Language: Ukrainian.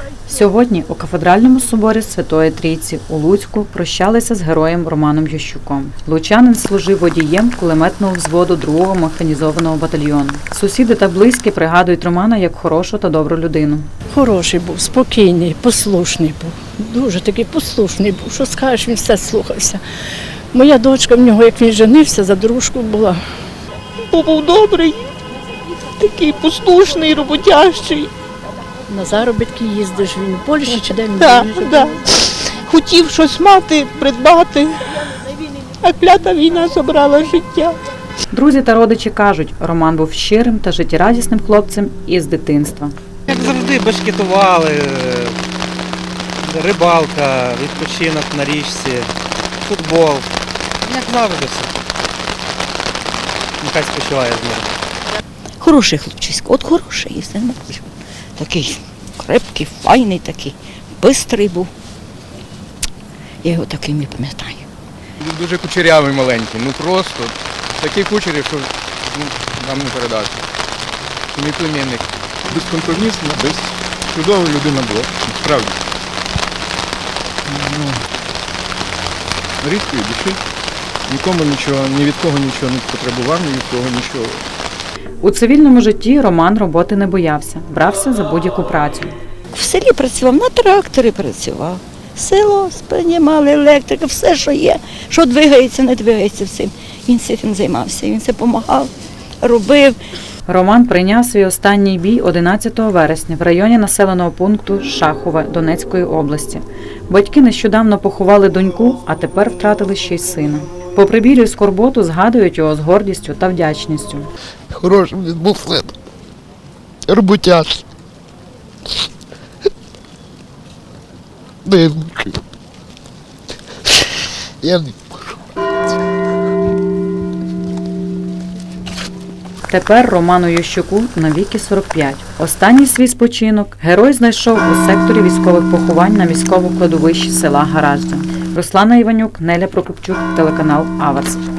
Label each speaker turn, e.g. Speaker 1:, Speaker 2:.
Speaker 1: Сьогодні у кафедральному соборі Святої Трійці у Луцьку прощалися з героєм Романом Ющуком. Лучанин служив водієм кулеметного взводу 2-го механізованого батальйону. Сусіди та близькі пригадують Романа як хорошу та добру людину.
Speaker 2: Хороший був, спокійний, послушний був. Дуже такий послушний був. Що скажеш, він все слухався. Моя дочка в нього, як він женився, за дружку була.
Speaker 3: Був добрий, такий послушний, роботящий.
Speaker 2: На заробітки їздиш, він у Польщі чи де він
Speaker 3: Так,
Speaker 2: живе?
Speaker 3: так. Хотів щось мати, придбати, а клята війна забрала життя.
Speaker 1: Друзі та родичі кажуть, Роман був щирим та життєрадісним хлопцем із дитинства.
Speaker 4: Як завжди, башкетували, рибалка, відпочинок на річці, футбол. Як завжди все. Нехай спочиває з ним.
Speaker 5: Хороший хлопчисько, от хороший, і все. Такий крепкий, файний такий, бистрий був. Я його таким і пам'ятаю.
Speaker 6: Дуже кучерявий маленький, ну просто такий кучерів, що нам не передати. Мій племінник. Безкомпромісна, чудова людина була, справді. Рідкої душі, нікому нічого, ні від кого нічого не потребував, ні від кого нічого.
Speaker 1: У цивільному житті Роман роботи не боявся, брався за будь-яку працю.
Speaker 5: В селі працював, на тракторі працював. Село сприймали, електрика, все, що є, що двигається, не двигається всім. Він цим займався, він це допомагав, робив.
Speaker 1: Роман прийняв свій останній бій 11 вересня в районі населеного пункту Шахове Донецької області. Батьки нещодавно поховали доньку, а тепер втратили ще й сина. Попри біль і скорботу згадують його з гордістю та вдячністю.
Speaker 7: Хороший він був син. Роботяж. Дивненький. Я не можу.
Speaker 1: Тепер Роману Ющуку навіки 45. Останній свій спочинок герой знайшов у секторі військових поховань на міському кладовищі села Гаражда. Руслана Іванюк, Неля Прокопчук, телеканал Аверс.